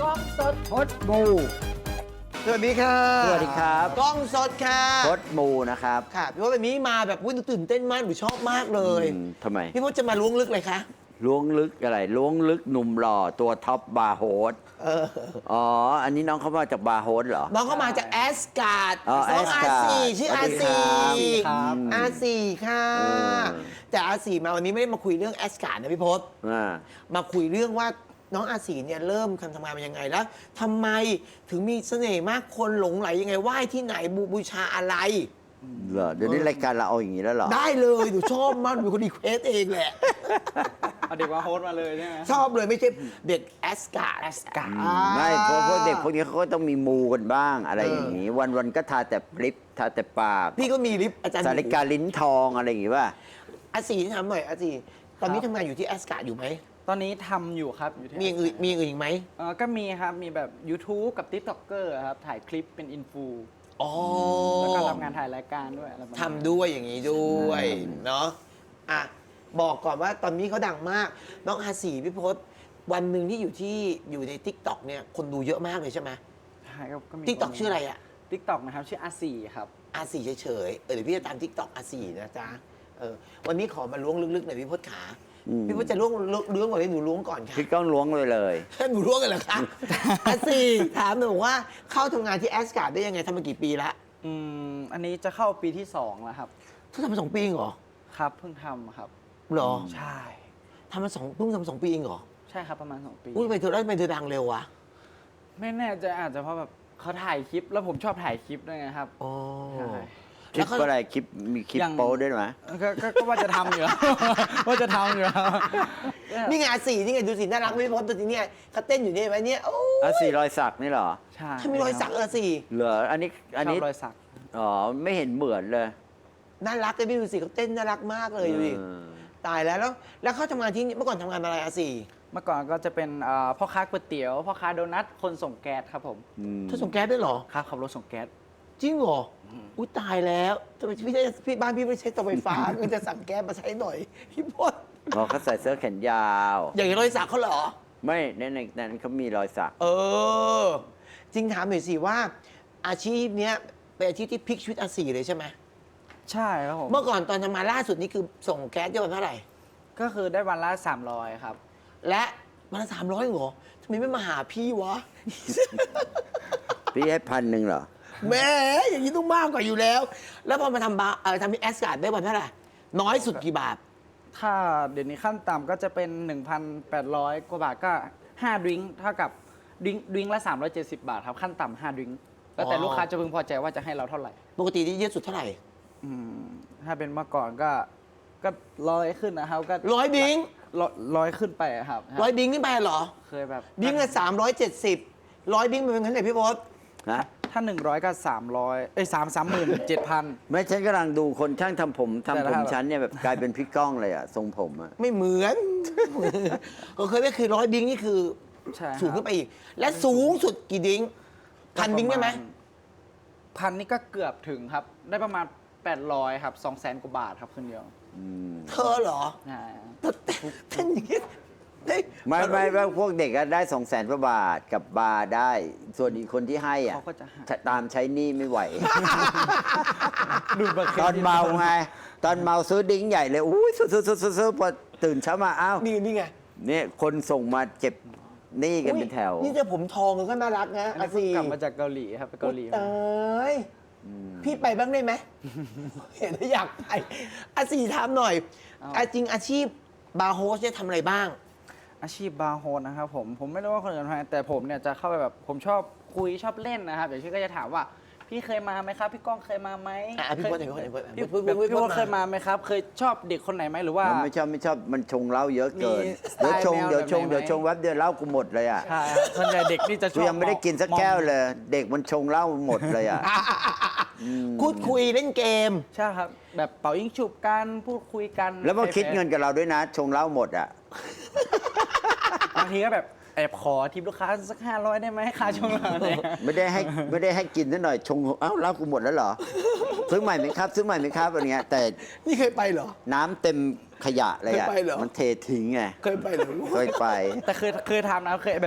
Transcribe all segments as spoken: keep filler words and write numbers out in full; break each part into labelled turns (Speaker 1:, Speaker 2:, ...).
Speaker 1: กล้องสด
Speaker 2: พดมู
Speaker 1: สวัสดีค่ะ
Speaker 2: สวัสดีครับ
Speaker 1: กล้องสดค่ะ
Speaker 2: พดมูนะครับ
Speaker 1: ค่ะพี่พจน์แบบนี้มาแบบวุ่นตื่นเต้นมากหนูชอบมากเลย
Speaker 2: อืมทำไม
Speaker 1: พี่พจน์จะมาล้วงลึกเลยคะ
Speaker 2: ล้วงลึกอะไรล้วงลึกหนุ่มหล่อตัวท็อปบาร์โฮส
Speaker 1: เออ
Speaker 2: อ๋อ อันนี้น้องเขามาจากบาร์โฮสเหรอ
Speaker 1: น้องเข้ามาจากแอสการ์ด
Speaker 2: อ๋อ
Speaker 1: น้องอา
Speaker 2: Asgard
Speaker 1: ซีชื่อ
Speaker 2: สวั
Speaker 1: อา
Speaker 2: สดี
Speaker 1: ซี
Speaker 2: ครับ
Speaker 1: อาซีค่ะ
Speaker 2: เออ
Speaker 1: แต่อาซีมาวันนี้ไม่ได้มาคุยเรื่องแอสการ์ดนะพี่พจน์
Speaker 2: อ่า
Speaker 1: มาคุยเรื่องว่าน้องอาศีเนี่ยเริ่มการทำงานมายังไงแล้วทำไมถึงมีเสน่ห์มากคนหลงไหลยังไงไหว้ที่ไหนบูบูชาอะไร
Speaker 2: เหรอ เดี๋ยวนี้รายการเราเอาอย่างนี้แล้วเหรอ
Speaker 1: ได้เลยหนูชอบมากหนูเป็นคนรีเควสเองแหละ
Speaker 3: เอาเด็กมาโฮสต์มาเลยใช่ไหม
Speaker 1: ชอบเลยไม่ใช่เด็กแอสการ์ดแอสการ์ด
Speaker 2: ไม่เพราะพวกเด็กพวกนี้เขาก็ต้องมีมูกันบ้างอะไรอย่างนี้ วันวันๆก็ทาแต่ลิปทาแต่ปาก
Speaker 1: พี่ก็มีลิฟต์อาจารย์
Speaker 2: สาริกาลิ้นทองอะไรอย่างงี้ป่ะ
Speaker 1: อาศีถามหน่อยอาศีตอนนี้ทำงานอยู่ที่แอสการ์ดอยู่ไหม
Speaker 3: ตอนนี้ทำอยู่ครับอยู่ที่
Speaker 1: มีอย่างอื่นมีอย่างอื่นอีกไหม
Speaker 3: เอ่อก็มีครับ มีแบบ YouTube กับ TikToker ครับ ถ่ายคลิปเป็นอินฟู
Speaker 1: อ๋อ
Speaker 3: แล้วก็รับงานถ่ายรายการด้วยอะไรประมาณ
Speaker 1: ทำด้วยอย่างนี้ด้วยเนาะอ่ะบอกก่อนว่าตอนนี้เขาดังมาก น้องอาศีพี่พศวันหนึ่งที่อยู่ที่อยู่ใน ทิกตอก เนี่ยคนดูเยอะมากเลยใช่ไหม
Speaker 3: ใช่ก็ก็มี
Speaker 1: ทิกตอกชื่ออะไรอ่ะ
Speaker 3: TikTok นะครับชื่ออาสี่ครับ
Speaker 1: อาศีเฉยๆเออเดี๋ยวพี่จะตาม ทิกตอก อาศีนะจ๊ะเออวันนี้ขอมาล้วงลึกๆหน่อยพี่พศขา
Speaker 2: อืม
Speaker 1: พี่พศจะล้วงล้วงก่อนเลยหนูล้วงก่อนค่ะ
Speaker 2: พี่ก้องล้วงเลยเลย
Speaker 1: หนูล้วงกันเหรอคะ อาศีถามหนูว่าเข้าทำงานที่แอสการ์ดได้ยังไงทำมากี่ปีละ
Speaker 3: อืมอันนี้จะเข้าปีที่สองแล้วครับ
Speaker 1: เธอทำมาสองปีเองเหรอ
Speaker 3: ครับเพิ่งทำครับ
Speaker 1: เหรอ
Speaker 3: ใช่
Speaker 1: ทำมาสองเพิ่งทำมาสองปีเองเหรอ
Speaker 3: ใช่ครับประมาณสองปี
Speaker 1: อุ้ยทำไมเธอได้ทำไมเธอดังเร็ววะ
Speaker 3: ไม่แน่ใจอาจจะเพราะแบบเขาถ่ายคลิป แล้วผมชอบถ่ายคลิปด้วยไงครับ
Speaker 1: อ๋อ
Speaker 3: ใช่
Speaker 2: คลิปอะไรคลิปมีคลิป
Speaker 3: อย่าง
Speaker 2: โป๊ด้วยไหม
Speaker 3: ก็ก็ก็ว่าจะทำอยู่ ว่าจะทำอยู่
Speaker 1: นี่ไงอาสีนี่ไงดูสิน่ารักไม่พบตัวนี้เนี่ยเขาเต้นอยู่เนี่ยไหมเนี่ยโอ้
Speaker 2: อ่ะสี่รอยสักนี่เหรอ
Speaker 3: ใช่
Speaker 1: ถ้ามีรอยสักเออสิ
Speaker 2: เหรอ อันนี้ อันนี้
Speaker 3: ชอบรอยสัก
Speaker 2: อ๋อ ไม่เห็นเหมือนเลย
Speaker 1: น่ารักเลยพี่ดูสิเขาเต้นน่ารักมากเลยดูดิ
Speaker 2: เออ
Speaker 1: ตายแล้วแล้วแล้วเขาทำงานที่นี่เมื่อก่อนทำงานอะไรอาสี
Speaker 3: เมื่อก่อนก็จะเป็นเอ่อพ่อค้าก๋วยเตี๋ยวพ่อค้าโดนัทคนส่งแก๊สครับผม
Speaker 2: อืม
Speaker 1: เธอส่งแก๊สด้วยเหรอ
Speaker 3: ครับขับรถส่งแก๊ส
Speaker 1: จริงเหรออุ้ยตายแล้วทำไมพี่ได้พี่บ้านพี่ไม่ใช้เตาไฟฟ้า ก็จะสั่งแก๊สมาใช้หน่อยพี่พศ
Speaker 2: อ๋อเขาใส่เสื้อแขนยาว
Speaker 1: อย่างรอยสักเขาเหรอ
Speaker 2: ไม่ในในนั้นเขามีรอยสัก
Speaker 1: เออ จริงถามหน่อยสิว่า อาชีพเนี้ยเป็นอาชีพที่พลิกชีวิตอาศีเลยใช่ไหม
Speaker 3: ใช่ครับผม
Speaker 1: เมื่อก่อนตอนทำงานล่าสุดนี่คือส่งแก๊สเยอะวันเท่าไหร่
Speaker 3: ก็คือได้วันละสามร้อยครับ
Speaker 1: และวันละสามร้อยเหรอทำไมไม่มาหาพี่วะ
Speaker 2: พี่ให้พันหนึ่งเหรอ
Speaker 1: แหม่อย่างนี้ต้องมากกว่าอยู่แล้ว แล้วพอมาทำบาร์เออทำที่แอสการ์ดได้วันเท่าไหร่น้อยสุดกี่บาท
Speaker 3: ถ้าเดี๋ยวนี้ขั้นต่ำก็จะเป็น หนึ่งพันแปดร้อย กว่าบาทก็ห้าดริงก์เท่ากับดริงก์ดริงก์ละสามร้อยเจ็ดสิบบาทครับขั้นต่ำห้าดริงก์แล้วแต่
Speaker 1: อ๋อ
Speaker 3: ลูกค้าจะพึงพอใจว่าจะให้เราเท่าไหร่
Speaker 1: ปกติที่เยอะสุดเท่าไหร่
Speaker 3: อืมถ้าเป็นเมื่อก่อนก็ก็ร้อยขึ้นนะครับก็
Speaker 1: ร้อยดิ้ง
Speaker 3: ร้อยร้อยขึ้นไปอะครับ
Speaker 1: ร้อยดิ้งขึ้นไปเหรอ
Speaker 3: เคยแบบ
Speaker 1: ดิ้งละสามร้อยเจ็ดสิบร้อยดิ้งมันเป็นเงินเท่าไหร่พี่พศ
Speaker 2: ฮะ
Speaker 3: ถ้าหนึ่งร้อยก็สามร้อยเอ้ยสามสามหมื่นเจ็ดพัน
Speaker 2: ไม่ฉันกำลังดูคนช่างทำผมทำ
Speaker 3: แต่
Speaker 2: ผ
Speaker 3: ละ
Speaker 2: มฉันเนี่ยแบบกลายเป็นพี่ก้องเลยอะทรงผมอะ
Speaker 1: ไม่เหมือน ก็เคยไม่คือร้อยดิ้งนี่คือ
Speaker 3: ใช่ครับ
Speaker 1: สูงขึ้นไปอีก และสูงสุดกี่ดิ้งพันดิ้งได้ไหม
Speaker 3: พันนี่ก็เกือบถึงครับ ได้ประมาณแปดร้อยครับสองแสนกว่าบาทครับคืนเดียว
Speaker 2: อืม
Speaker 1: เธอเหรอ
Speaker 3: ใช่
Speaker 1: เต้นอย่างนี้ได้
Speaker 2: ไม่ไม่ไม่พวกเด็กก็ได้สองแสนกว่าบาทกับบาร์ได้ ส่วนอีกคนที่ให้อ่ะ
Speaker 3: เขาก็จะหา
Speaker 2: ตามใช้หนี้ไม่ไหว
Speaker 3: ดูดบัตรเคร
Speaker 2: ตอน
Speaker 3: ดิต
Speaker 2: เมาไง ตอนเมาซื้อดิ้งใหญ่เลยอุ้ยซื้อซื้อซื้อซื้อซื้อพอตื่นเช้ามาอ้าว
Speaker 1: นี่นี่ไง
Speaker 2: เนี่ยคนส่งมาเจ็บหนี้กันเป็นแถว
Speaker 1: อุ๊ยนี่จะผมทองก็น่ารักนะ
Speaker 3: อัน
Speaker 1: อา
Speaker 3: นี้เพิ่
Speaker 1: ซี
Speaker 3: งกลับมาจากเกาหลีครับไปเกาหลี
Speaker 1: ต
Speaker 3: มา
Speaker 1: ายพี่ไปบ้างได้ไหม เห็นแล้วอยากไปอาซีถามหน่อยอาจริงอาชีพบาร์โฮสเนี่ยทำอะไรบ้าง
Speaker 3: อาชีพบาร์โฮสนะครับผมผมไม่รู้ว่าคนอื่นทำไมแต่ผมเนี่ยจะเข้าไปแบบผมชอบคุยชอบเล่นนะครับอย่างเช่นก็จะถามว่าพี่เคยมาไหมครับ พี่ก้องเคยมาไหม
Speaker 1: อ่ะพี่พจน์
Speaker 3: เคย
Speaker 1: พี่พจน์
Speaker 3: พี่
Speaker 1: พี่พจน์
Speaker 3: แบบ
Speaker 1: พี่พจน์
Speaker 3: พี่ว่า
Speaker 1: มา
Speaker 3: เคยมาไหมครับ เคยชอบเด็กคนไหนไหมหรือว่า
Speaker 2: มันไม่ชอบไม่ชอบมันชงเหล้าเยอะเกิน
Speaker 3: มีสไตล์
Speaker 2: เดี๋ยวชง
Speaker 3: แนว
Speaker 2: เดี๋ยวชง
Speaker 3: แบบไหน
Speaker 2: เดี๋ยวชงแวบเดียวเหล้ากูหมดเลยอ่ะ
Speaker 3: ใช่ครับส่วนใหญ่เด็กนี่จะช
Speaker 2: กู
Speaker 3: อบ
Speaker 2: ยังไม่ได้กินสักแก้วเลย เด็กมันชงเหล้าหมดเลยอ่ะ
Speaker 1: พูดคุยเล่นเกม
Speaker 3: ใช่ครับแบบเป่ายิงฉุบกันพูดคุยกัน
Speaker 2: แล้วมาคิดเงินกับเราด้วยนะ ชงเหล้าหมดอ่ะ
Speaker 3: บางทีก็แบบแอบขอทิปลูกค้าสักห้าร้อยได้ไหมค่าชงเราเนี่ย
Speaker 2: ไม่ได้ให้ไม่ได้ให้กินนิดหน่อยชงเอ้าเหล้ากูหมดแล้วเหรอซื้อใหม่ไหมครับ ซื้อใหม่ไหมครับอะไรเงี้ยแต่
Speaker 1: นี่เคยไปเหรอ
Speaker 2: น้ำเต็มขยะเลยอ่ะ
Speaker 1: เคยไปเหรอ
Speaker 2: มันเททิ้งไง
Speaker 1: เคยไปเหรอ
Speaker 2: เคยไป
Speaker 3: แต่เคยเคยทำนะเคยแบบแอ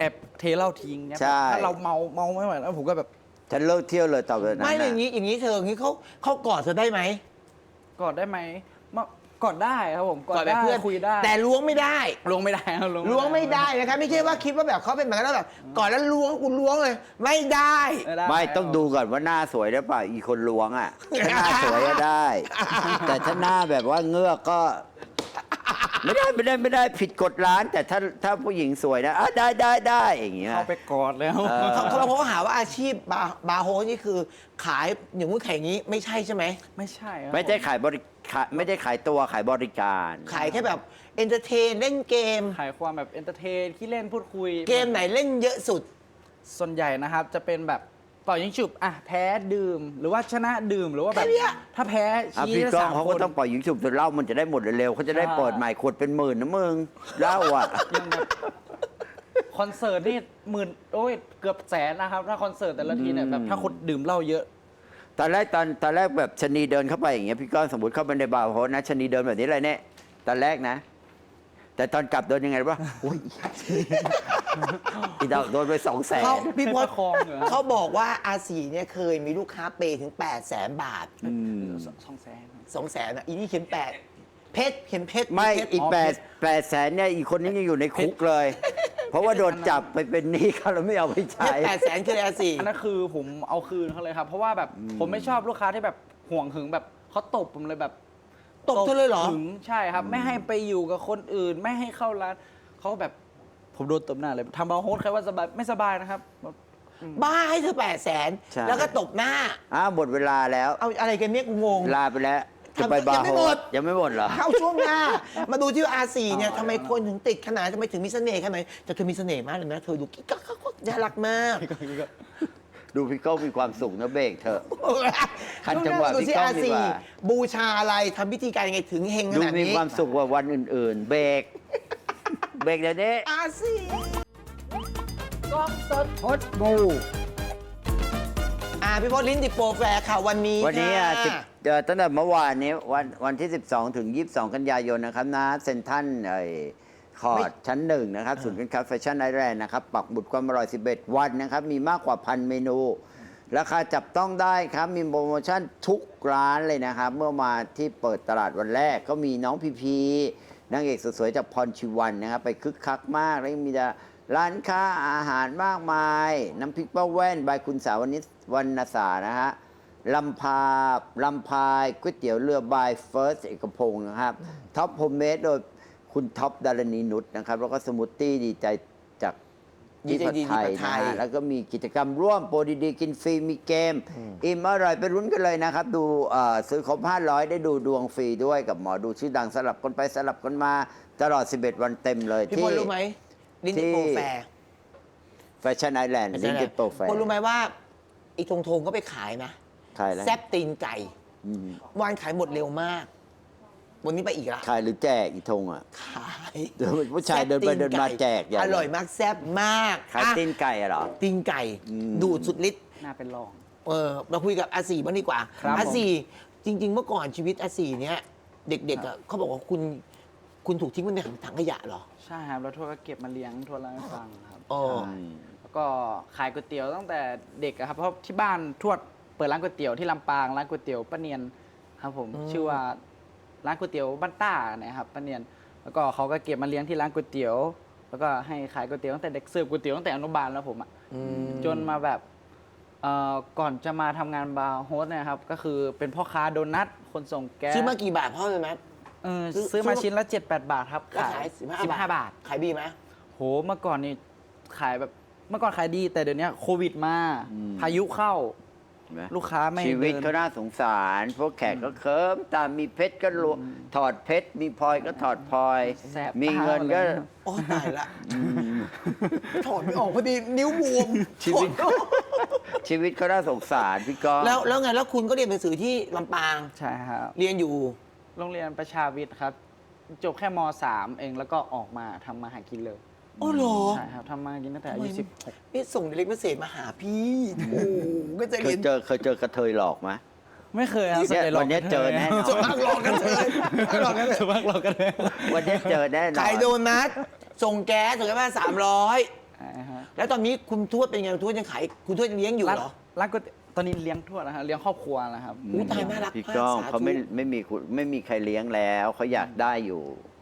Speaker 3: อบเทเหล้าทิ้งเนี่ย
Speaker 2: ใช่
Speaker 3: ถ้าเราเมาเมาไม่ไหวแล้วผมก็แบบ
Speaker 2: ฉันเลิกเที่ยวเลยต่อไปนั้น
Speaker 1: ไม่เลยอ
Speaker 2: น่ะ
Speaker 1: ย่างนี้อย่างนี้เธออย่างนี้เขาเขากอดเธอได้ไหม
Speaker 3: กอดได้ไหมมากอดได้ครับผมกอด
Speaker 1: แบบ
Speaker 3: ได้
Speaker 1: เพื่อน
Speaker 3: คุยได้
Speaker 1: แต่ล้วงไม่ได้
Speaker 3: ล้วงไม่ได้ครับ
Speaker 1: ล้วงไม่ได้นะครับไม่ใช่ว่าคิดว่าแบบเขาเป็นแบบนั้นแล้วแบบกอดแล้วล้วงกูล้วงเลย ไม่ได้
Speaker 3: ไม่ได้
Speaker 2: ไม่ต้องดูก่อนว่าหน้าสวยหรือเปล่าอีคนล้วงอ่ะถ้าหน้าสวยก็ได้ แต่ถ้าหน้าแบบว่าเงือกก็ ไม่ได้ไม่ได้ไม่ได้ผิดกฎร้าน แต่ถ้าถ้าผู้หญิงสวยนะอ่ะได้ได้ได้อย่างเงี้ย
Speaker 3: เข้าไปกอดแล้ว
Speaker 2: เออ
Speaker 1: เขาเขาเขาหาว่าอาชีพบาร์บาร์โฮสนี่คือขายอย่างงู้นขายอย่างนี้ไม่ใช่ใช่ไหม
Speaker 3: ไม่ใช่ครับ
Speaker 2: ไม่ได้
Speaker 3: ผ
Speaker 2: ขายบริขายไม่ได้ขายตัวขายบริการ
Speaker 1: ขายแค่แบบเอนเตอร์เทนเล่นเกม
Speaker 3: ขายความแบบเอนเตอร์เทนขี้เล่นพูดคุย
Speaker 1: เกมไหนเล่นเยอะสุด
Speaker 3: ส่วนใหญ่นะครับ จะเป็นแบบเป่ายิงฉุบอ่ะแพ้ดื่ม หรือว่าชนะดื่มหรือว่าแบบ
Speaker 1: แค่เนี้ย
Speaker 3: ถ้าแพ้
Speaker 2: อ่ะ
Speaker 3: ชี้
Speaker 2: พี่
Speaker 3: ได้
Speaker 2: ก้อง
Speaker 3: สาม
Speaker 2: เขา
Speaker 3: ค
Speaker 2: ก็
Speaker 3: น
Speaker 2: ต้องปล่อยยิงฉุบจนเหล้ามันจะได้หมดเร็วๆเขาจะได้
Speaker 3: ใช่
Speaker 2: เปิดใหม่ขวดเป็นหมื่นนะมึงเหล้าอ่ะ
Speaker 3: ยังแบบคอนเสิร์ตนี่หมื่นโอ้ยเกือบแสนนะครับ ถ้าคอนเสิร์ตแต่ละทีเนี่ยแบบถ้าคนดื่มเหล้าเยอะ
Speaker 2: ตอนแรกตอนตอนแรกแบบชะนีเดินเข้าไปอย่างเงี้ยพี่ก้องสมมติเข้าไปในบาร์โฮสนะชะนีเดินแบบนี้เลยเนี่ยตอนแรกนะ แต่ตอนกลับเดินยังไงรู้ป่ะอุ้ยอีดอกโดนไปสองแสน
Speaker 1: เขาพี่พศ
Speaker 3: ประคองเหรอ
Speaker 1: เขาบอกว่าอาศีเนี่ยเคยมีลูกค้าเปย์ถึง8ปดแสนบาท
Speaker 3: สองสองแสน
Speaker 1: สองแสนอ่ะอีนี่เขียนแปดเพชรเขียนเพชร
Speaker 2: ไม่
Speaker 1: เพชร
Speaker 2: อีกแปดแปดแสนเนี่ยอีกคนนี้ยังอยู่ในคุกเลย เพราะว่าโดนจับไปเป็นหนี้เขาแล้วไม่เอาไป
Speaker 1: เพ
Speaker 2: ใช้
Speaker 1: ชรแปดแสนคืออะไรอาศี
Speaker 3: อันนั้นคือผมเอาคืนเขาเลยครับ เพราะว่าแบบผมไม่ชอบลูกค้าที่แบบห่วงหึงแบบเขาตบผมเลยแบบ
Speaker 1: ตบเธอเลยเหรอ
Speaker 3: หึงใช่ครับ ไม่ให้ไปอยู่กับคนอื่น ไม่ให้เข้าร้านเขาแบบผมโดนตบหน้าเลยทำเอาโฮสต์ใครว่าสบายไม่สบายนะครับ
Speaker 1: บ้าให้เธอแปดแสน
Speaker 2: ใช่
Speaker 1: แล้วก็ตบหน้า
Speaker 2: อ้าวหมดเวลาแล้ว
Speaker 1: เอาอะไรกันเนี่ยกูงง
Speaker 2: ลาไปแล้วจะไปบาร์
Speaker 1: ยังไม่
Speaker 2: โฮ
Speaker 1: หม
Speaker 2: ส
Speaker 1: ด
Speaker 2: ยังไม่หมดเหรอ
Speaker 1: เข้าช่วงหน้า มาดูที่อาศีเนี่ยทำไมคนถึงติดขนาดทำไมถึงมีเสน่ห์ขนาดไหนแต่เธอมีเสน่ห์มากเลยนะ เธอดูกิ๊กกักกักกักน่ารักมาก
Speaker 2: ดูพี่ก้องมีความสุขนะเบรกเถอะ ขัดจังหวะ
Speaker 1: ดู
Speaker 2: พี่
Speaker 1: ที่
Speaker 2: ก้อง
Speaker 1: อา
Speaker 2: ดี
Speaker 1: ศี
Speaker 2: กว่า
Speaker 1: บูชาอะไรทำพิธีการยังไงถึงเฮงข
Speaker 2: ดู
Speaker 1: นาด
Speaker 2: มี
Speaker 1: นี้
Speaker 2: ความสุขกว่าวันอื่น ๆ เบรกเบรกเดี๋ยวนี้
Speaker 1: อาศีกล้องสด
Speaker 2: พดงู
Speaker 1: อ่าพี่พจน์ลิ้นติดโปรแฟร์ค่ะวันนี้
Speaker 2: วันนี้อ่ะ
Speaker 1: ค่ะ
Speaker 2: สิบเอ่อตั้งแต่เมื่อวานนี้วันวันที่ สิบสอง ถึง ยี่สิบสอง กันยายนนะครับนะเซ็นทรัลไอ้คอร์ดชั้นหนึ่งนะครับศูนย์การค้าแฟชั่นไอแลนด์นะครับปักบุตรความอร่อย สิบเอ็ด วันนะครับ มีมากกว่าพันเมนู ราคาจับต้องได้ครับ มีโปรโมชั่นทุกร้านเลยนะครับ เมื่อมาที่เปิดตลาดวันแรกก็มีน้องพีพีนางเอกสวยๆจากพรชีวันนะครับ ไปคึกคักมาก แล้วยังมีร้านค้าอาหารมากมาย น้ำพริกป้าแว่นบายคุณสาวนิชวรรณสานะฮะ ลำพาลำพายก๋วยเตี๋ยวเรือบายเฟิร์สเอกพงศ์นะครับท็อปโฮมเมดโดยคุณท็อปดารณีนุชนะครับ แล้วก็สมูทตี้ดีใจจาก
Speaker 1: ดีใจดี
Speaker 2: ที่ผัด
Speaker 1: ที่ผัดไท
Speaker 2: ไท
Speaker 1: ย
Speaker 2: ยนะฮะแล้วก็มีกิจกรรมร่วมโปรดีๆกินฟรีมีเกม อิ่มอร่อยไปรุ้นกันเลยนะครับ ดูเอ่อซื้อครบห้าร้อยได้ดูดวงฟรีด้วยกับหมอดูชื่อดังสลับกันไปสลับกันมาตลอด สิบเอ็ด วันเต็มเลย
Speaker 1: พี่พ
Speaker 2: ที่
Speaker 1: ลรู้ไหมลิ้นติดโปรแฟร์
Speaker 2: แฟชั่นไอแลนด์ลิงก์โปรแฟร์
Speaker 1: พลรู้ไหมว่าไอ้ทงทงก็ไปขายนะ
Speaker 2: ขายแล้ว
Speaker 1: แซบตีนไก่
Speaker 2: อืม
Speaker 1: วานขายหมดเร็วมาก วันนี้ไปอีกละ
Speaker 2: ขายหรือแจกอีทงอ่ะ
Speaker 1: ขาย
Speaker 2: เดี๋ยวผู้ชายเดินไปเดินมาแจกใหญ่
Speaker 1: อร่อยมากแซบมาก
Speaker 2: ขาย
Speaker 1: อ่ะ
Speaker 2: ตีนไก่อะเหรอ
Speaker 1: ตีนไก่
Speaker 2: อืม
Speaker 1: ดูดสุดฤทธิ์
Speaker 3: น่าเป็นรอง
Speaker 1: เออมาคุยกับอาศีบ้างดีกว่า
Speaker 3: ครับ
Speaker 1: อาศีจริง ๆ เมื่อก่อนชีวิตอาศีเนี้ยเด็กๆอ่ะเขาบอกว่าคุณคุณถูกทิ้งไว้ในถังขยะเหรอ
Speaker 3: ใช่ครับแล้วทวดก็เก็บมาเลี้ยงทวดเล่าให้ฟังครับ
Speaker 1: อ๋อ
Speaker 3: ใช่แล้วก็ขายก๋วยเตี๋ยวตั้งแต่เด็กอะครับเพราะที่บ้านทวดเปิดร้านก๋วยเตี๋ยวที่ลำปางร้านก๋วยเตี๋ยวป้าเนียนครับผมชื่อว่าร้านก๋วยเตี๋ยวบ้านต้านะครับป้าเนียน แล้วก็เขาก็เก็บมาเลี้ยงที่ร้านก๋วยเตี๋ยว แล้วก็ให้ขายก๋วยเตี๋ยวตั้งแต่เด็กเสิร์ฟก๋วยเตี๋ยวตั้งแต่อนุบาลแล้วผมอะ
Speaker 1: อืม
Speaker 3: จนมาแบบเอ่อก่อนจะมาทำงานบาร์โฮสเนี่ยครับก็คือเป็นพ่อค้าโดนัทคนส่งแก๊ส
Speaker 1: ซื้อมากี่บาทพ่อเลยไหม
Speaker 3: เออ
Speaker 1: ซื้อ
Speaker 3: ซื้อมาชิ้นละ เจ็ดแปด บาทครับ
Speaker 1: แล้วขายสิบห้า
Speaker 3: สิบห้าบาท
Speaker 1: ขายดีไหม
Speaker 3: โหเมื่อก่อนนี่ขายแบบเมื่อก่อนขายดีแต่เดี๋ยวนี้โควิดมา
Speaker 2: อืม
Speaker 3: พายุเข้า
Speaker 2: เห็นไหม
Speaker 3: ลูกค้าไม่
Speaker 2: ชีวิต
Speaker 3: เดิน
Speaker 2: เขาน่าสงสาร พวกแขกก็เคิมตามมีเพชรก็ลวถอดเพชร มีพลอยก็ถอดพลอย
Speaker 3: แสบ
Speaker 2: มีเงินก็
Speaker 3: ตาเลย
Speaker 1: โอ้ตายละถอดไม่ออกพอดีนิ้วบวม
Speaker 2: ชีวิต
Speaker 1: ถอด
Speaker 2: ชีวิตเขาน่าสงสารพี่ก้อง
Speaker 1: แล้วแล้วไงแล้วคุณก็เรียนหนังสือที่ลำปาง
Speaker 3: ใช่ครับ
Speaker 1: เรียนอยู่
Speaker 3: โรงเรียนประชาวิทย์ครับ จบแค่ม .สาม เองแล้วก็ออกมาทำมาหากินเลย
Speaker 1: อ๋อเหรอ
Speaker 3: ใช่ครับทำมาหากินตั้งแต่อายุ
Speaker 1: ทำไม
Speaker 3: สิบหก
Speaker 1: นี่ส่งเด็กมาเสษมาหาพี่โอ้ก็จะ
Speaker 2: เค
Speaker 1: เรี
Speaker 2: ย
Speaker 1: ยน
Speaker 2: เจอเคยเจอกระเทยหลอกไหม
Speaker 3: ไม่เคยครับ
Speaker 2: เนี่ย
Speaker 3: ส่ใหญ่หลอก
Speaker 2: วันนี้เจอแน่นอน
Speaker 1: ส่วนมากหลอกกันเลยหลอกกันเลย
Speaker 3: ส่วนมากหลอกกันเลย
Speaker 2: วันนี้เจอแน่นอน
Speaker 1: ขายโดนัทส่งแก๊สส่งแก๊สมาสามร้อย
Speaker 3: ใช่ฮะ
Speaker 1: แล้วตอนนี้คุณทวดเป็นไงคุณทวดยังขายคุณทวดยังเลี้ยงอยู่
Speaker 3: ร้าน
Speaker 1: เหรอ
Speaker 3: ร้านก๋วยเตี๋ยวตอนนี้เลี้ยงทวดนะฮะเลี้ยงครอบครัวนะครับ
Speaker 1: อุ๊ยตายน่ารัก
Speaker 2: พี่
Speaker 1: มาก
Speaker 2: ก้อง
Speaker 1: สาธุ
Speaker 2: เขาไม่ไม่มีคุณไม่มีใครเลี้ยงแล้วเขาอยากได้อยู่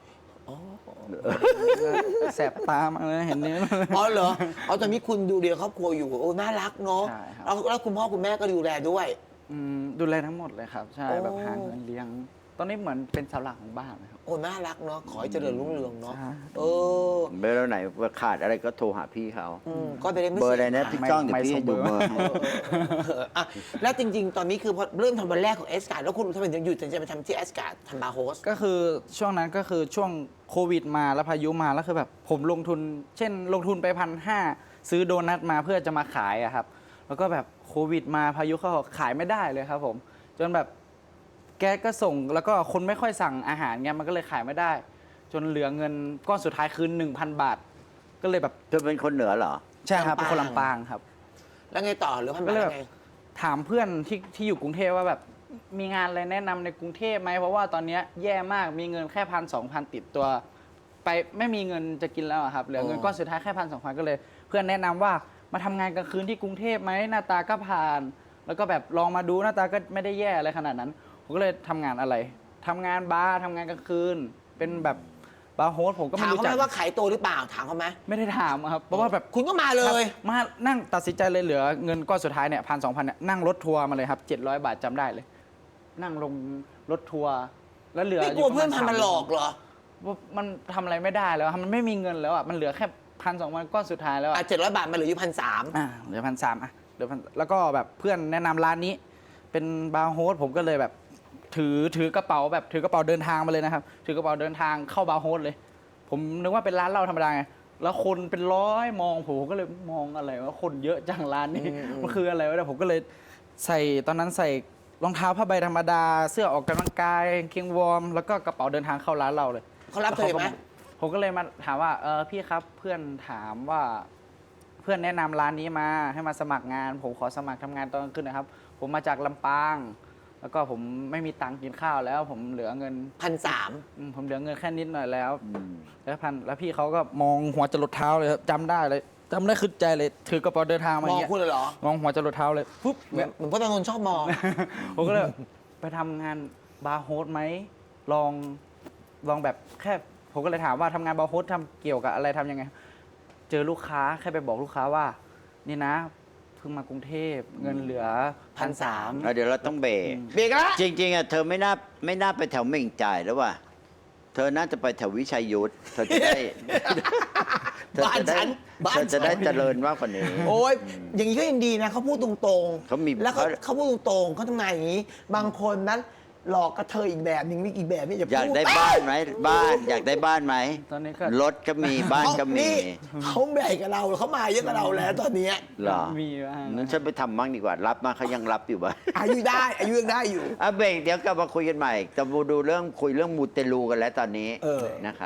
Speaker 3: แสบตามากเลยเห็นเนี้ย
Speaker 1: อ๋อเหรอเอาตอนนี้คุณดูเลี้ยงครอบครัวอยู่โอ้น่ารักเนาะ
Speaker 3: ใช่ครับ
Speaker 1: แล้วแล้วคุณพ่อคุณแม่ก็ดูแลด้วย
Speaker 3: อืมดูแลทั้งหมดเลยครับ ใช่
Speaker 1: โอ้
Speaker 3: แบบหาเงินเลี้ยง ตอนนี้เหมือนเป็นเสาหลักของบ้านนะครับ
Speaker 1: โอ้น่ารักเนาะขอให้เจริญรุ่งเรืองเนาะ
Speaker 3: ใช่
Speaker 1: เออ
Speaker 2: เบอร์ไหนขาดอะไรก็โทรหาพี่เขา
Speaker 1: อืมก็ไปได้ไม่
Speaker 2: เบอร์
Speaker 1: เสี
Speaker 2: อะไร
Speaker 1: ย
Speaker 2: นะ
Speaker 1: หาย
Speaker 2: พี่ก้องเดี๋ยว
Speaker 3: ไม่
Speaker 2: พี่
Speaker 3: ส่
Speaker 2: ให้
Speaker 3: ง
Speaker 2: ดู
Speaker 3: เบอร์
Speaker 2: เบอร์ให้
Speaker 1: เอออ่ะแล้วจริง ๆ ตอนนี้คือพอเริ่มทำวันแรกของเอสการ์แล้วคุณทำไมถึงหยุดถึงจะไปทำที่เอสการ์ทำบาร์โฮส
Speaker 3: ก็คือช่วงนั้นก็คือช่วงโควิดมาแล้วพายุมาแล้วคือแบบผมลงทุน เช่น ลงทุนไปพันห้าซื้อโดนัทมาเพื่อจะมาขายอะครับ แล้วก็แบบโควิดมาพายุเข้าขายไม่ได้เลยครับผม จนแบบแก๊สก็ส่งแล้วก็คนไม่ค่อยสั่งอาหารเงี้ยมันก็เลยขายไม่ได้ จนเหลือเงินก้อนสุดท้ายคือ หนึ่งพัน บาท ก็เลยแบบ
Speaker 2: เธอเป็นคนเหนือเหรอ
Speaker 3: ใช่ครับ
Speaker 1: ลำปาง
Speaker 3: เป็นคนลำปางครับ
Speaker 1: แล้วไงต่อหรือพัน
Speaker 3: ก็
Speaker 1: บาท
Speaker 3: เลยแบบ
Speaker 1: ไง
Speaker 3: ถามเพื่อนที่ที่อยู่กรุงเทพว่าแบบมีงานอะไรแนะนำในกรุงเทพไหมเพราะว่าตอนเนี้ยแย่มากมีเงินแค่พันสองพันติดตัว ไปไม่มีเงินจะกินแล้วอะครับเหลือเงินก้อนสุดท้ายแค่พันสองพันก็เลย เพื่อนแนะนำว่ามาทำงานกลางคืนที่กรุงเทพไหมหน้าตาก็ผ่าน แล้วก็แบบลองมาดูหน้าตาก็ไม่ได้แย่อะไรขนาดนั้นผมก็เลยทำงานอะไรทำงานบาร์ทำงานกลางคืน เป็นแบบบาร์โฮสผมก็
Speaker 1: ถา
Speaker 3: ไม่
Speaker 1: ม
Speaker 3: รู้
Speaker 1: เขา
Speaker 3: จั
Speaker 1: ไห
Speaker 3: ก
Speaker 1: มว่าขายตัวหรือเปล่าถามเขาไหม
Speaker 3: ไม่ได้ถามครับเพราะว่าแบบ
Speaker 1: คุณก็มาเลย
Speaker 3: มานั่งตัดสินใจเลยเหลือเงินก้อนสุดท้ายเนี่ยพันสองพันเนี่ยนั่งรถทัวร์มาเลยครับเจ็ดร้อยบาทจำได้เลย นั่งลงรถทัวร์แล้วเหลือ
Speaker 1: ไม่กลัวเพื่อนพันมาหลอกเหรอ
Speaker 3: ว่ามันทำอะไรไม่ได้แล้วอะมันไม่มีเงินแล้วอ่ะมันเหลือแค่พันสองพันก้อนสุดท้ายแล้ว
Speaker 1: อ่ะ
Speaker 3: อ่ะ
Speaker 1: เจ็ดร้อยบาทมาเหลืออยู่พันสาม
Speaker 3: อ่าเหลือพันสามอ่ะเหลือพันแล้วก็แบบเพื่อนแนะนำร้านนี้ เป็นบาร์โฮสผมก็เลยแบบ ถือถือกระเป๋าแบบถือกระเป๋าเดินทางมาเลยนะครับ ถือกระเป๋าเดินทางเข้าบาร์โฮสเลย ผมนึกว่าเป็นร้านเหล้าธรรมดาไงแล้วคนเป็นร้อยมองผมผมก็เลยมองอะไรว่าคนเยอะจังร้านนี้มันคืออะไรวะเนี่ยผมก็เลยใส่ตอนนั้นใส่รองเท้าผ้าใบธรรมดา เสื้อออกกำลังกายกางเกงวอร์มแล้วก็กระเป๋าเดินทางเข้าร้านเราเลย
Speaker 1: เขารับเธอไหม
Speaker 3: ผมก็เลยมาถามว่าเออพี่ครับเพื่อนถามว่าเพื่อนแนะนำร้านนี้มาให้มาสมัครงาน ผมขอสมัครทำงานตอนกลางคืนนะครับ ผมมาจากลำปาง แล้วก็ผมไม่มีตังค์กินข้าวแล้ว ผมเหลือเงิน
Speaker 1: พันสาม
Speaker 3: อืมผมเหลือเงินแค่นิดหน่อยแล้วแล้วพันแล้วพี่เขาก็มองหัวจรดเท้าเลยครับจำได้เลยจำได้ขึ้นใจเลยถือกระเป๋าเดินทางมาอ
Speaker 1: มอย่าง
Speaker 3: เงี้ย
Speaker 1: คุณเลยเหรอ
Speaker 3: มองหัวจรดเท้าเลยปุ๊บ
Speaker 1: เหมือนเหมือนพจน์อานนท์ชอบมอง
Speaker 3: ผมก็เลยไปทำงานบาร์โฮสไหมลองลองแบบแค่ผมก็เลยถามว่าทำงานบาร์โฮสทำเกี่ยวกับอะไรทำยังไง เจอลูกค้าแค่ไปบอกลูกค้าว่า นี่นะเพิ่งมากรุงเทพเงินเหลือพันสาม
Speaker 2: อ่ะเดี๋ยวเราต้องเบรก
Speaker 1: เบรกละ
Speaker 2: จริงๆอ่ะเธอไม่น่าไม่น่าไปแถวเหม่งจ่ายแล้วว่ะเธอน่าจะไปแถววิชัยยุทธเธอจะได้เธอ
Speaker 1: บ้าน
Speaker 2: จะได้
Speaker 1: ฉันบ้าน
Speaker 2: เธอจะได้
Speaker 1: ฉัน
Speaker 2: เจริญมากกว่านี้
Speaker 1: โอ้ยอย่างนี้ก็ยังดีนะเขาพูดตรงๆ
Speaker 2: เขามี
Speaker 1: แล้วเขา
Speaker 2: เขา
Speaker 1: เขาพูดตรงๆเขาทำงานอย่างนี้ บางคนนั้นหลอกกระเทยอีกแบบหนึ่งมีอีกแบบนี่อย่าพูด
Speaker 2: อยากได้บ้านไหมบ้านอยากได้บ้านไหม
Speaker 3: ตอนนี้ก็
Speaker 2: รถก็มีบ้านก็มี
Speaker 1: นี่เขาใหญ่กับเราเขามาเยอะกับเราแล้วตอนเนี้ย
Speaker 2: เหรอ
Speaker 3: มีบ้าง
Speaker 2: นั้นฉันไปทำมั่งดีกว่ารับมาเขายังรับอยู่บ้าง
Speaker 1: อายุได้อายุยังได้อยู่
Speaker 2: อ่ะเบรกเดี๋ยวกลับมาคุยกันใหม่จะมาดูเรื่องคุยเรื่องมูเตลูกันแล้วตอนนี้
Speaker 1: เออ
Speaker 2: นะครับ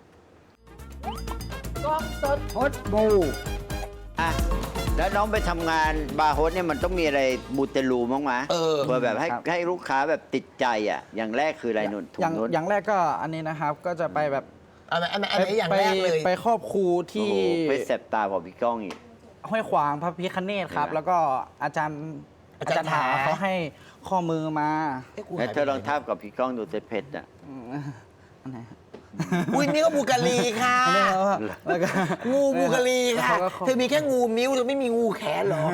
Speaker 1: กล้องสด
Speaker 2: ฮดมูอ่ะแล้วน้องไปทำงานบาร์โฮสเนี่ยมันต้องมีอะไรมูเตลูมั้งไหม
Speaker 1: เออ
Speaker 2: เพื่อแบบให้ให้ลูกค้าแบบติดใจอ่ะ อย่างแรกคืออะไรนุ่นถุ
Speaker 3: อย่าง
Speaker 2: งนุ่น
Speaker 3: อย่างแรกก็อันนี้นะครับ ก็จะไปแบบ
Speaker 1: อันไหนอันไหนอันไหนอย่าง
Speaker 3: ไป
Speaker 1: แรกเลย
Speaker 3: ไปครอบครู
Speaker 2: โอ้
Speaker 3: ที่
Speaker 2: โหไปแสบตากว่าพี่ก้องอีก
Speaker 3: ห้วยขวางพระพิคเนตครับ
Speaker 2: เห็นไหม
Speaker 3: แล้วก็อาจารย์อาจารย์ถาเขาให้ข้อมือมา
Speaker 1: เอ๊ะกู
Speaker 2: แล้ว
Speaker 1: หาย
Speaker 2: เธอ
Speaker 1: ไป
Speaker 2: ลองทาบกับพี่ก้องดูเตเพชรอ่ะ
Speaker 3: อืมอันไหนฮะ
Speaker 1: อุ้ยนี่ก็บูกาลีค่ะ
Speaker 3: อันนี้แล้วก็แล้วก็
Speaker 1: งูบูกาลีค่ะ
Speaker 3: แล้วเขาก็
Speaker 1: เธอมีแค่งูมิ้วเธอไม่มีงูแขนเหรอ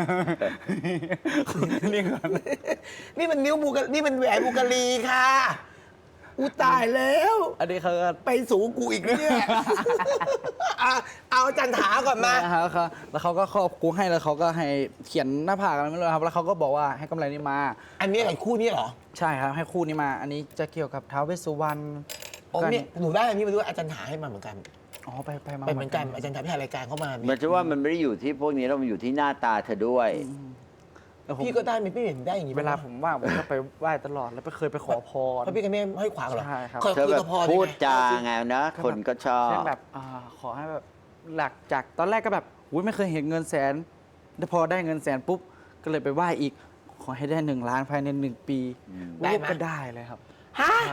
Speaker 3: นี่ก่อน
Speaker 1: นี่มันนิ้วบูกานี่มันแหวนบูกาลีค่ะอูตายแล้ว
Speaker 3: อันนี้เขาก็
Speaker 1: ไปสูงกูอีกนะเนี่ย อ่ะเอาอาจันถาก่อนมา
Speaker 3: นะครับเขาแล้วเขาก็ครอบครูให้แล้วเขาก็ให้เขียนหน้าผากอะไรไม่รู้ครับ แล้วเขาก็บอกว่าให้กำไรนี้มา
Speaker 1: อันนี้อะไรคู่นี้เหรอ
Speaker 3: ใช่ครับให้คู่นี้มา อันนี้จะเกี่ยวกับท้าวเวสสุวรรณ
Speaker 1: อ๋อเนี่ยหนูได้อันนี้มาด้วยอาจารย์ถาให้มาเหมือนกัน
Speaker 3: อ๋อไปไปมา
Speaker 1: ไปเหมือนกันอาจารย์ถาพี่ถ่ายรายการเข้ามา
Speaker 2: มันจะว่ามันไม่ได้อยู่ที่พวกนี้แล้วมันอยู่ที่หน้าตาเธอด้วย
Speaker 3: แล้วผม
Speaker 1: พี่ก็ได้ไหมพี่เห็นได้อย่างนี้
Speaker 3: เวลาผมว่างผมก็ไปไหว้ตลอดแล้วไปเคยไปขอพร
Speaker 1: เพราะพี่กับแม่ห้อยขวางเหรอ
Speaker 3: ใช่ครับ
Speaker 1: ขอ
Speaker 2: เธอแบบ
Speaker 1: ขพร
Speaker 2: พูด
Speaker 1: ไง
Speaker 2: จาไงนะ คนก็ชอบ
Speaker 3: เช่นแบบอาขอให้แบบหลักจากตอนแรกก็แบบอุ้ยไม่เคยเห็นเงินแสนแต่พอได้เงินแสนปุ๊บ ก็เลยไปไหว้อีก ขอให้ได้หนึ่งล้านภายในหนึ่งปี
Speaker 1: ได้ไหม
Speaker 3: ก็ได้เลยครับ
Speaker 1: ฮะ
Speaker 3: ใช่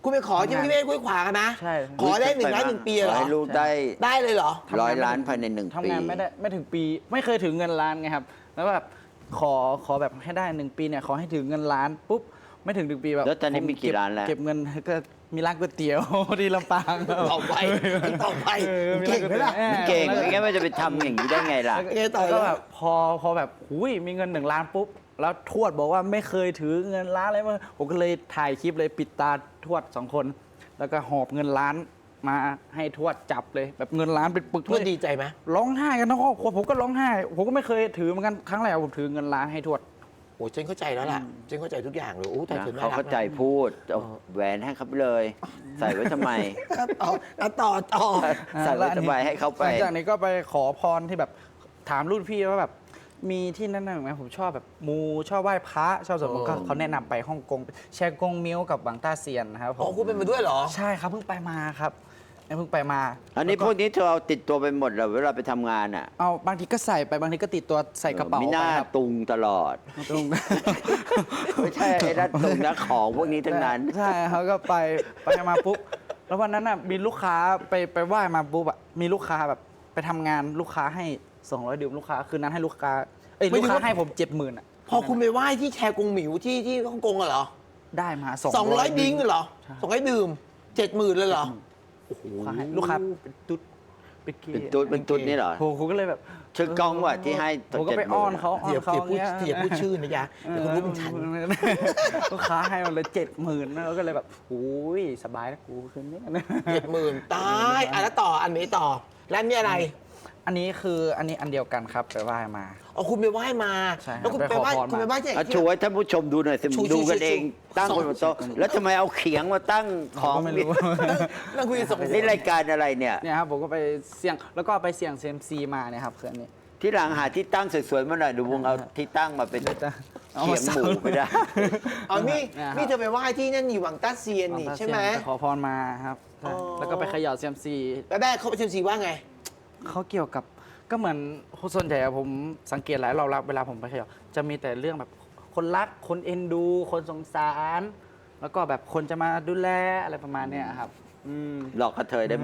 Speaker 1: คุณไปขอที่พี่เมฆกุ้ยขวางอะนะ
Speaker 3: ใช่
Speaker 1: ขอได้หนึ่งล้านหนึ่งปีเหร
Speaker 2: ขอ
Speaker 1: อ
Speaker 2: ให้ลูกได้
Speaker 1: ได้เลยเหรอ
Speaker 2: ร้อยล้านภายในหนึ่งปี
Speaker 3: ทำงานไม่ได้ไม่ถึงปี ไม่เคยถึงเงินล้านไงครับ แล้วแบบขอขอแบบให้ได้หนึ่งปีเนี่ยขอให้ถึงเงินล้านปุ๊บไม่ถึงหนึ่งปีแบบ
Speaker 2: แล้วตอนนี้
Speaker 3: ผ
Speaker 2: มีกี่
Speaker 3: เบ
Speaker 2: ล้านแล้ว
Speaker 3: เก็บเงินก็มีร้านก๋วยเตี๋ยว ที่ลำปางครับ
Speaker 1: ต่อไปต่อไป
Speaker 3: ออ
Speaker 1: เก่งไหมล่ะ
Speaker 3: ออ
Speaker 2: เก่ง
Speaker 3: แล้ว
Speaker 2: ไม่งั้นมันจะไปทำอย่างนี้ได้ไงล่ะ
Speaker 1: เออต่อ
Speaker 3: แล้วก็
Speaker 1: เลย
Speaker 3: แบบพอพอแบบหุยมีเงินหนึ่งล้านปุ๊บ แล้วทวดบอกว่าไม่เคยถือเงินล้านอะไรมาผมก็เลยถ่ายคลิปเลยปิดตาทวดสองคน แล้วก็หอบเงินล้านมาให้ทวดจับเลย แบบเงินล้านเป็นปึก
Speaker 1: ทวด
Speaker 3: เลย
Speaker 1: ดีใจไหม
Speaker 3: ร้องไห้กันทั้งครอบครัวผมก็ร้องไห้ ผมก็ไม่เคยถือเหมือนกันครั้งแรกผมถือเงินล้านให้ทวด
Speaker 1: โอ้ฉันเข้าใจแล้วล่ะฉันเข้าใจทุกอย่างเลยโอ้แต่
Speaker 2: นะ
Speaker 1: เธอน่า
Speaker 2: เขา
Speaker 1: รัก
Speaker 2: เข้าใจพูดเอาแหวนให้เขาไปเลย ใส่ไว้ทำไม
Speaker 1: นะต่ออ่ะต่อต่อ
Speaker 2: ใส่ไว้ทำไมให้เขาไป
Speaker 3: หลังจากนี้ก็ไปขอพรที่แบบถามรุ่นพี่ว่าแบบมีที่นั่นน่ะไหมผมชอบแบบมูชอบไหว้พระชอบสวดมนต์ก็เขาแนะนำไปฮ่องกงแชกงมิวกับบางต้าเซียนนะครับผ
Speaker 1: อ๋อ
Speaker 3: ม
Speaker 1: คุณเป็นมาด้วยเหรอ
Speaker 3: ใช่ครับเพิ่งไปมาครับเพิ่งไปมา
Speaker 2: อันนี้พวกนี้เธอเอาติดตัวไปหมดเหรอเวลาไปทำงานอ่ะ
Speaker 3: เอาบางทีก็ใส่ไปบางทีก็ติดตัวใส่กระเป๋า
Speaker 2: มีห
Speaker 3: ไป
Speaker 2: น้า
Speaker 3: ครับ
Speaker 2: ตุงตลอด
Speaker 3: ตรง
Speaker 2: ไม่ใช่ไอ้ด้านตุงนะของพวกนี้ทั้งนั้น
Speaker 3: ใช่เขาก็ไปไปมาปุ๊บแล้ววันนั้นน่ะมีลูกค้าไปไปไหว้มาปุ๊บอะมีลูกค้าแบบไปทำงานลูกค้าให้สองร้อยดื่มลูกค้าคืนนั้นให้ลูกค้าเอ้ย
Speaker 1: ไม่
Speaker 3: ลูก
Speaker 1: ถึง
Speaker 3: ค้า
Speaker 1: ว่า
Speaker 3: ให้ผมเจ็ดหมื่นอะ
Speaker 1: พอคุณไปไหว้ที่แชร์กงหมิวที่ที่ฮ่องกงอะเหรอ
Speaker 3: ได้มาสอง
Speaker 1: สองร้อยดิ้งเหรอสองร้อยดื่มเจ็ดหมื่นเลยเหรอ
Speaker 3: ลูกค้าให้ลูกค้าเป็นตุ๊ดเป็นเกย์
Speaker 2: เป็นตุ๊ดเป็นตุ๊ดนี่เหรอ
Speaker 3: ผมผมก็เลยแบบ
Speaker 2: ชื่อกล้องว่ะที่ให้
Speaker 3: ผมก็ไปอ้อนเขาอ้อ
Speaker 1: เดี๋ยวน
Speaker 3: เขา
Speaker 1: เดี๋ยวพูด
Speaker 3: เงี้ย
Speaker 1: เดี๋ยวพูดชื่อนะยะเดี๋ยวคุณรู้เป็นฉัน
Speaker 3: ลูกค้าให้มาเลยเจ็ดหมื่นแล้วก็เลยแบบโอ้ยสบายแล้วกูคืนนี้
Speaker 1: เจ็ดหมื่นตายอ่ะแล้วต่ออันนี้ต่อแล้วนี่อะไร
Speaker 3: อันนี้คืออันนี้อันเดียวกันครับไปไหว้มา
Speaker 1: อ๋อคุณไปไหว้มา
Speaker 3: ใช่ครับ
Speaker 1: แล้วคุณ
Speaker 3: ไป
Speaker 1: ไป
Speaker 3: ขอ
Speaker 1: ไหว้
Speaker 3: พรมา
Speaker 1: คุณไปไหว้ที่ไหน
Speaker 2: อ่ะ
Speaker 1: ที่
Speaker 2: ชูให้ท่านผู้ชมดูหน่อยสิ
Speaker 1: ชู
Speaker 2: ดูกัน
Speaker 1: ชู
Speaker 2: เอง
Speaker 1: ชู
Speaker 2: ตั้งบนโต๊ะแล้วทำไมเอาเขียงมาตั้งของ
Speaker 3: ก็ไม่รู้
Speaker 1: นั่งคุยกันสองคน
Speaker 2: นี่รายการอะไรเนี่ย
Speaker 3: เนี่ยครับผมก็ไปเสี่ยงแล้วก็ไปเสี่ยงเซยมซีมาเนี่ยครับคืออันนี้
Speaker 2: ที่หลังหาที่ตั้งสวยๆมาหน่อยดูวงเอาที่ตั้งมาเป็น
Speaker 3: เอา
Speaker 2: เขี
Speaker 3: มาย
Speaker 2: ง
Speaker 3: เสา
Speaker 2: หมูไปได้
Speaker 1: อ๋อนี่
Speaker 3: เนี่ยครับ
Speaker 1: นี่เธอไปไหว้ที่นั่นอยู่หวังต้าเซียนนี่ใช่ไหม
Speaker 3: ไปขอพรมาครับใช่
Speaker 1: อ๋อ
Speaker 3: แล้วก็ไปเขย่าเซยมซี
Speaker 1: แล้วแม่เขาไปเชลซีว่าไง
Speaker 3: เขาเกี่ยวกับก็เหมือนส่วนใหญ่อะผมสังเกตหลายรอบแล้วเวลาผมไปเขย่าจะมีแต่เรื่องแบบคนรักคนเอ็นดู คนสงสาร แล้วก็แบบคนจะมาดูแลอะไรประมาณเนี้ยครับอืม
Speaker 2: หลอกกระเทยได้ไหม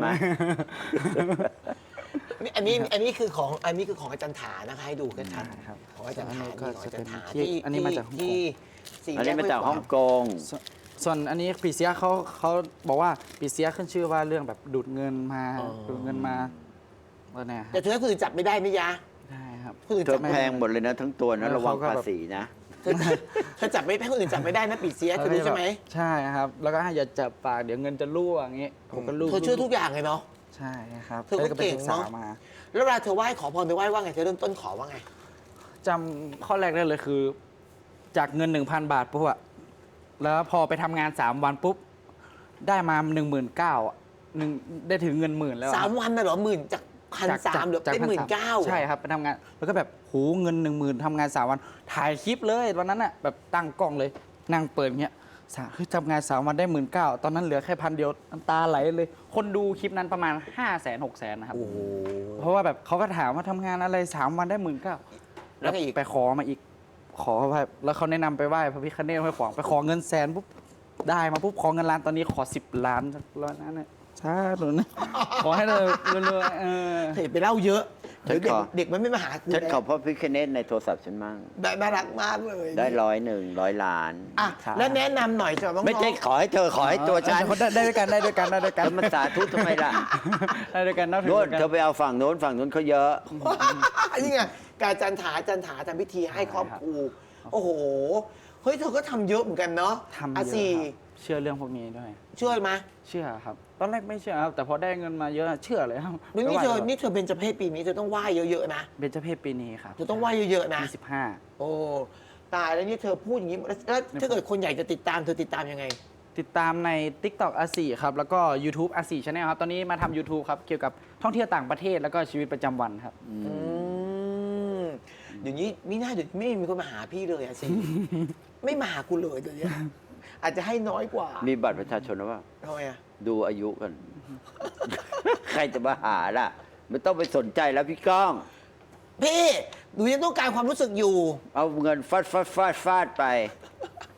Speaker 1: นี่อันนี้อันนี้คือของอันนี้คือของอาจารย์ถานะคะให้ดูกันชัด
Speaker 3: ใช่ครับ
Speaker 1: ของอาจารย์ถา
Speaker 3: อันนี้ก็
Speaker 1: นี่ของอาจารย์ถา
Speaker 3: จะเป็นที่
Speaker 1: ที่
Speaker 3: อันนี้มาจากฮ่องกง
Speaker 1: ที่สี่
Speaker 2: อัน
Speaker 1: แย
Speaker 2: นี้
Speaker 1: ก
Speaker 2: มาจากฮ่องกง
Speaker 3: ส่วนส่วนอันนี้ปีเสียเขาเขาบอกว่าปีเสียขึ้นชื่อว่าเรื่องแบบดูดเงินมาดูดเงินมาแล้วเนี่ย
Speaker 1: แต่เธอคือจับไม่ได้นะยะ
Speaker 3: ได้ครับ
Speaker 1: คนอื่น
Speaker 2: เธ
Speaker 1: จั
Speaker 2: อบ
Speaker 1: ไม่
Speaker 2: แพ
Speaker 1: ได้
Speaker 2: งหมดเลยนะทั้งตัวนะ
Speaker 3: แล้ว
Speaker 2: ระวัง
Speaker 3: เขาก็
Speaker 2: ภา
Speaker 3: แบบ
Speaker 2: ษีนะ
Speaker 1: เธอเธอจับไม่ได้คนอื่นจับไม่ได้นะปีเสียเธอรู้ใช่ไหม
Speaker 3: ใช่ครับ แล้วก็ให้อย่าจับปากเดี๋ยวเงินจะรั่วอย่างงี้ผมก็รู้
Speaker 1: เธอเชื่อทุกอย่างเลยเนาะ
Speaker 3: ใช่ครับ
Speaker 1: เธอก็
Speaker 3: แล้วไป
Speaker 1: เก่ง
Speaker 3: ศึกษา
Speaker 1: เนอะ
Speaker 3: มา
Speaker 1: แล้วเวลาเธอไหว้ขอพรไปไหว้ว่าไงเธอเริ่มต้นขอว่าไง
Speaker 3: จำข้อแรกได้เลยคือ จากเงิน หนึ่งพัน บาทปุ๊บอะแล้วพอไปทำงาน สาม วันปุ๊บ ได้มา หนึ่งหมื่นเก้าพัน หนึ่งได้ถึงเงินหมื่นแล้วอะ
Speaker 1: สามวันน่ะเหรอหมื่นจากพัน
Speaker 3: จาก
Speaker 1: สามเหลือ
Speaker 3: จาก
Speaker 1: เป็นหมื่นเก้า
Speaker 3: ใช่ครับไปทำงาน แล้วก็แบบโหเงินหนึ่งหมื่นทำงานสามวัน ถ่ายคลิปเลยวันนั้นอะแบบตั้งกล้องเลย นั่งเปิดเงี้ยสาเฮ้ยทำงานสามวันได้หมื่นเก้าตอนนั้นเหลือแค่พันเดียวน้ำตาไหลเลย คนดูคลิปนั้นประมาณห้าแสนหกแสนนะครับ
Speaker 1: โอ้โห
Speaker 3: เพราะว่าแบบเขาก็ถามว่าทำงานอะไรสามวันได้หมื่นเก้า
Speaker 1: แล้วก็อีก
Speaker 3: ไปขอมาอีก ขอไปแล้วเขาแนะนำไปไหว้พระพิฆเนศห้วยขวางไปขอเงินแสนปุ๊บได้มาปุ๊บขอเงินล้านตอนนี้ขอสิบล้านร้อยนั้นเนี่ยใช่หนูนะขอให้เลยรวยๆเออ
Speaker 1: เธออย่าไปเล่าเยอะ
Speaker 2: ฉั
Speaker 1: เดี๋ย
Speaker 2: น
Speaker 1: วเด็ก
Speaker 2: ขอ
Speaker 1: เด็กมันไม่มาหาคุณ
Speaker 2: ฉัน
Speaker 1: นะ
Speaker 2: ขอพ่อพิคเนตในโทรศัพท์ฉันมั่ง
Speaker 1: ได้น่ารักมากเลย
Speaker 2: ได้ร้อยหนึ่งร้อยล้าน
Speaker 1: อ่ะแล้วแนะนำหน่อยสำหรับน้องๆ
Speaker 2: ไม่ใช่ขอให้เธอขอให้ตัวฉัน
Speaker 3: เออได้ได้ด้วยกันได้ด้วยกันได้ด้วยกัน
Speaker 2: แล้วมันสาธุทำไมล่ะ
Speaker 3: ได้ด้วยกันนับถือ
Speaker 2: โน้น
Speaker 3: ด้วยกัน
Speaker 2: เธอไปเอาฝั่งโน้นฝั่งโน้นเขาเยอะ
Speaker 1: นี่ไงการจันถาจันถาทำพิธีให้ครอบครูโอ้โหเฮ้ยเธอก็ทำเยอะเหมือนกันเนาะ
Speaker 3: ทำเย
Speaker 1: อ่ะ
Speaker 3: อะ
Speaker 1: สี่
Speaker 3: ครับเชื่อเรื่องพวกนี้ด้วย
Speaker 1: เชื่อไหม
Speaker 3: เชื่อครับ ตอนแรกไม่เชื่อครับแต่พอได้เงินมาเยอะเชื่อเลยครับ
Speaker 1: นี่นี่
Speaker 3: ไป
Speaker 1: เธอ
Speaker 3: ไหว้
Speaker 1: นี่เธอเป็นเจเพศปีนี้เธอต้องไหว้เยอะๆนะ
Speaker 3: เบญจเพศปีนี้ครับ
Speaker 1: เธอต้องไหว้เยอะๆนะ
Speaker 3: ยี่สิบห้า
Speaker 1: โอ้ตายแล้วนี่เธอพูดอย่างนี้แล้วแล้วถ้าเกิดคนอยากจะติดตามเธอติดตามยังไง
Speaker 3: ติดตามใน TikTok อาสี่ครับ แล้วก็ YouTube อาสี่ Channel ครับ ตอนนี้มาทำ YouTube ครับ เกี่ยวกับท่องเที่ยวต่างประเทศแล้วก็ชีวิตประจำวันครับ
Speaker 1: อืมเดี๋ยวนี้นี่น่าเดี๋ยวไม่มีคนมาหาพี่เลยอะสิ ไม่มาหากูเลยเดี๋ยวนี้อาจจะให้น้อยกว่า
Speaker 2: มีบัตรประชาชนหรือเปล่า
Speaker 1: ทำไมอะ
Speaker 2: ดูอายุกัน ใครจะมาหาล่ะ ไม่ต้องไปสนใจแล้วพี่ก้อง
Speaker 1: พี่หนูยังต้องการความรู้สึกอยู่
Speaker 2: เอาเงินฟาดฟาดฟาดฟาดไป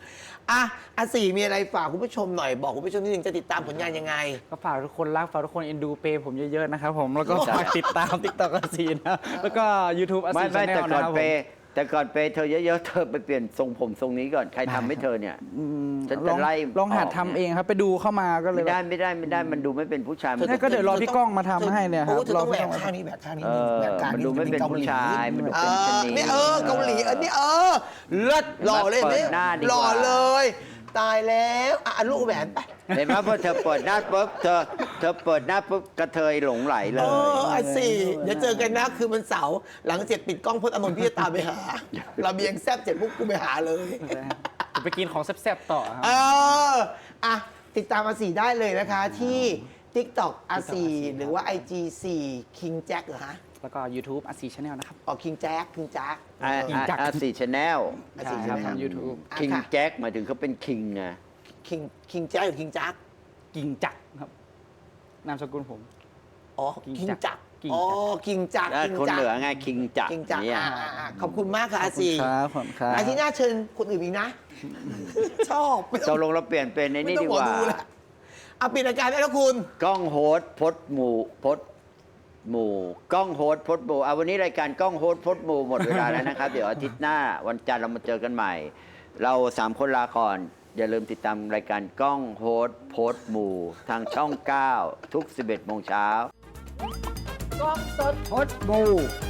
Speaker 1: อ่ะอาสี่มีอะไรฝากคุณผู้ชมหน่อยบอกคุณผู้ชมนิดนึงจะติดตามผลงานยังไง
Speaker 3: ก็ฝากทุกคนรักฝากทุกคนเอ็นดูเปย์ผมเยอะๆนะครับผมแล้วก็ฝากติดตาม TikTok อาซีนะแล้วก็ YouTube อา
Speaker 2: ไม่
Speaker 3: ซี
Speaker 2: ไม่
Speaker 3: ชาแน
Speaker 2: แต่
Speaker 3: ล
Speaker 2: ก่
Speaker 3: นะ
Speaker 2: อน
Speaker 3: ครับ
Speaker 2: เป
Speaker 3: ผม
Speaker 2: ย์แต่ก่อนเปย์เธอเยอะๆเธอไปเปลี่ยนทรงผมทรงนี้ก่อนใครทำให้เธอเนี่ย
Speaker 3: อืม
Speaker 2: ฉัน
Speaker 3: ล
Speaker 2: จะ
Speaker 3: อง
Speaker 2: ไล่
Speaker 3: ลองหัด
Speaker 2: ออก
Speaker 3: ทำเองครับไปดูเข้ามาก็เลย
Speaker 2: ไม่ได้ไม่ได้ไม่ได้มันดูไม่เป็นผู้ชายมัน
Speaker 3: ธอก็เดี๋ยวรอพี่ก้องมาทำให้เนี่ยครับ
Speaker 1: โอ้เธอต้อง
Speaker 3: รอ
Speaker 1: แหว
Speaker 3: พี่ก้
Speaker 1: ก
Speaker 3: องมา
Speaker 1: ข้างนี้แหวกข้างนี้
Speaker 2: เออ
Speaker 1: แหวกข้าง
Speaker 2: มัน
Speaker 1: นี้
Speaker 2: ดูไม่เป็นผู้ชายมันดู
Speaker 1: เอ
Speaker 2: เป็นชะ
Speaker 1: อ
Speaker 2: นี
Speaker 1: นี่เออเกาหลีอันนี้เออเลิศหล่อเลย
Speaker 2: เปิด
Speaker 1: นี่
Speaker 2: หน้าดีกว่า
Speaker 1: หล่อเลย ตายแล้วอ่ะลูกแหวนไป
Speaker 2: เห็นไหมพอเธอเปิดหน้าปุ๊บเธอเธอเปิดหน้าปุ๊บกระเทยหลงไหลเล
Speaker 1: เอย อไอ้สี่เดี๋ยวเจอกันนะคือมันเสาร์หลังเสร็จปิดกล้องพจน์อานนท์พี่จะตามไปหา เราเบียงแซบเสร็จปุ๊บกูไปหาเลย
Speaker 3: จะไปกินของแซ่บๆต่อครับ
Speaker 1: เอออ่ะติดตามอาสีได้เลยนะคะที่ TikTok อาสีหรือว่า ไอ จี สี่ King Jack เหรอฮะ
Speaker 3: แล้วก็ YouTube อาซีชาแนลนะครับ
Speaker 1: อ๋อ King Jack King Jack
Speaker 2: อ่า
Speaker 1: เออ
Speaker 2: อ่าอ่าสี่ชแนล
Speaker 1: อาสี
Speaker 3: ใช่
Speaker 1: ใช่
Speaker 3: ครับ
Speaker 1: ไหมครับ
Speaker 3: ทาง YouTube
Speaker 1: อ่ะ
Speaker 2: คิง
Speaker 1: ค่ะ
Speaker 2: แจ็คหมายถึงเขาเป็นคิงไง
Speaker 1: King King Jack หรือ King Jack
Speaker 3: กิ่งจักรครับนามสกุลผม
Speaker 1: อ๋อ
Speaker 3: King
Speaker 1: King
Speaker 3: Jack
Speaker 1: Jack
Speaker 3: King
Speaker 1: อ๋อ King Jack
Speaker 2: แล้ว
Speaker 1: King
Speaker 2: คน
Speaker 1: Jack
Speaker 2: เหนือไงคิงจักร
Speaker 1: King Jack
Speaker 2: เนี่ย
Speaker 1: อ่าอ่าอ่าขอบคุณมากค่ะอาสี
Speaker 3: ครับผมครับ
Speaker 1: อาทิตย์หน้าเชิญคนอื่นอีกนะ ชอบไม่
Speaker 2: ต
Speaker 1: ต้อก ง
Speaker 2: ลงเราเปลี่ยนเป็นใน
Speaker 1: ไม่
Speaker 2: นี่
Speaker 1: ต้อ
Speaker 2: ดี
Speaker 1: งหม
Speaker 2: ก
Speaker 1: อ
Speaker 2: ว่า
Speaker 1: ดูละเอาปิดรายการได้แล้วคุณ
Speaker 2: กล้องโฮสต์พดหมู่พดหมู่กล้องโฮสต์พดหมู่เอาวันนี้รายการกล้องโฮสต์พดหมู่หมดเวลาแล้วนะครับ เดี๋ยวอาทิตย์หน้าวันจันทร์เรามาเจอกันใหม่ เราสามคนลาก่อน อย่าลืมติดตามรายการกล้องโฮสต์พดหมู่ทางช่อง เก้า ทุก สิบเอ็ดโมงเช้า
Speaker 3: กล้องสดพดบู